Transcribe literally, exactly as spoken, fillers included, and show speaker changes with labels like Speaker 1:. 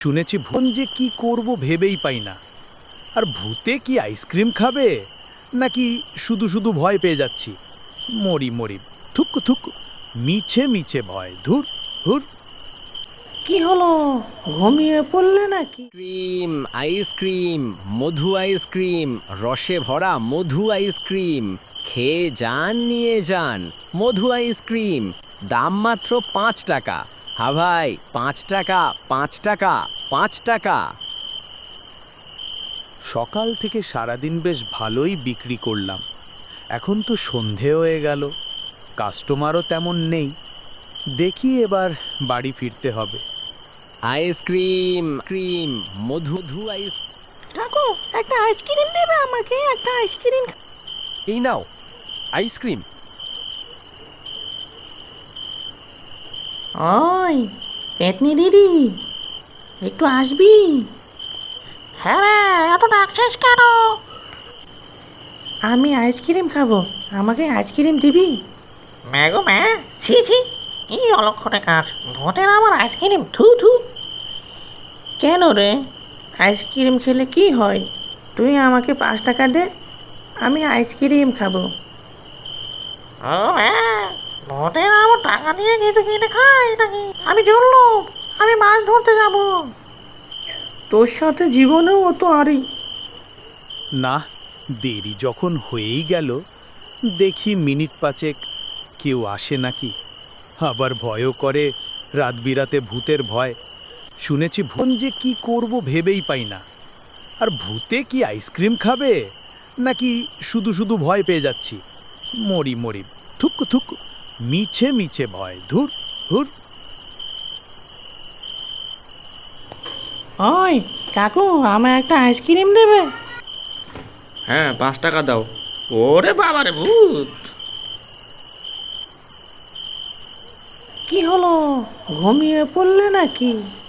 Speaker 1: শুনেছি ভূত যে কি করব ভেবেই পাই না। আর ভূতে কি আইসক্রিম খাবে নাকি শুধু শুধু ভয় পেয়ে যাচ্ছি? মরি মরি থুক থুক, মিছে মিছে ভয়, ধুর ধুর।
Speaker 2: কি হলো, ঘুমিয়ে পড়লে নাকি?
Speaker 3: ক্রিম আইসক্রিম, মধু আইসক্রিম, রসে ভরা মধু আইসক্রিম, খেয়ে যান নিয়ে যান। মধু আইসক্রিম, দাম মাত্র পাঁচ টাকা। হা ভাই, পাঁচ টাকা, পাঁচ টাকা, পাঁচ টাকা।
Speaker 1: সকাল থেকে সারাদিন বেশ ভালোই বিক্রি করলাম, এখন তো সন্ধে হয়ে গেল, কাস্টমারও তেমন নেই। দেখি এবার বাড়ি ফিরতে হবে।
Speaker 3: আইসক্রিম ক্রিম মধু ধু আইস
Speaker 2: কাকু, একটা আইসক্রিম দেবে আমাকে? একটা আইসক্রিম।
Speaker 3: এই নাও আইসক্রিম।
Speaker 2: ওই পেতনি দিদি, একটু আসবি? হ্যাঁ রে, এত ডাকছিস কেন? আমি আইসক্রিম খাবো, আমাকে আইসক্রিম দিবি? ম্যাগো ম্যা, ছি ছি, এই অলক্ষণে কাজ, ভোটের আমার আইসক্রিম, থু থু। কেন রে, আইসক্রিম খেলে কি হয়? তুই আমাকে পাঁচ টাকা দে, আমি আইসক্রিম খাবো। ও হ্যাঁ, ভোটের আমার টাকা দিয়ে কিছু কিনে খাই নাকি? আমি চললুম, আমি মাছ ধরতে যাব। তোর সাথে জীবনেও অত আরি।
Speaker 1: না, দেরি যখন হয়েই গেল, দেখি মিনিট পাঁচেক কেউ আসে নাকি। আবার ভয়ও করে, রাত বিরাতে ভূতের ভয়। শুনেছি ভূত যে কি করব ভেবেই পাই না। আর ভূতে কি আইসক্রিম খাবে নাকি শুধু শুধু ভয় পেয়ে যাচ্ছি? মরি মরি থুক থুক, মিছে মিছে ভয়, ধুর ধুর।
Speaker 2: ওই কাকু, আমায় একটা আইসক্রিম দেবে?
Speaker 4: হ্যাঁ, পাঁচ টাকা দাও। ওরে বাবা রে, ভূত!
Speaker 2: কি হলো, ঘুমিয়ে পড়লে নাকি?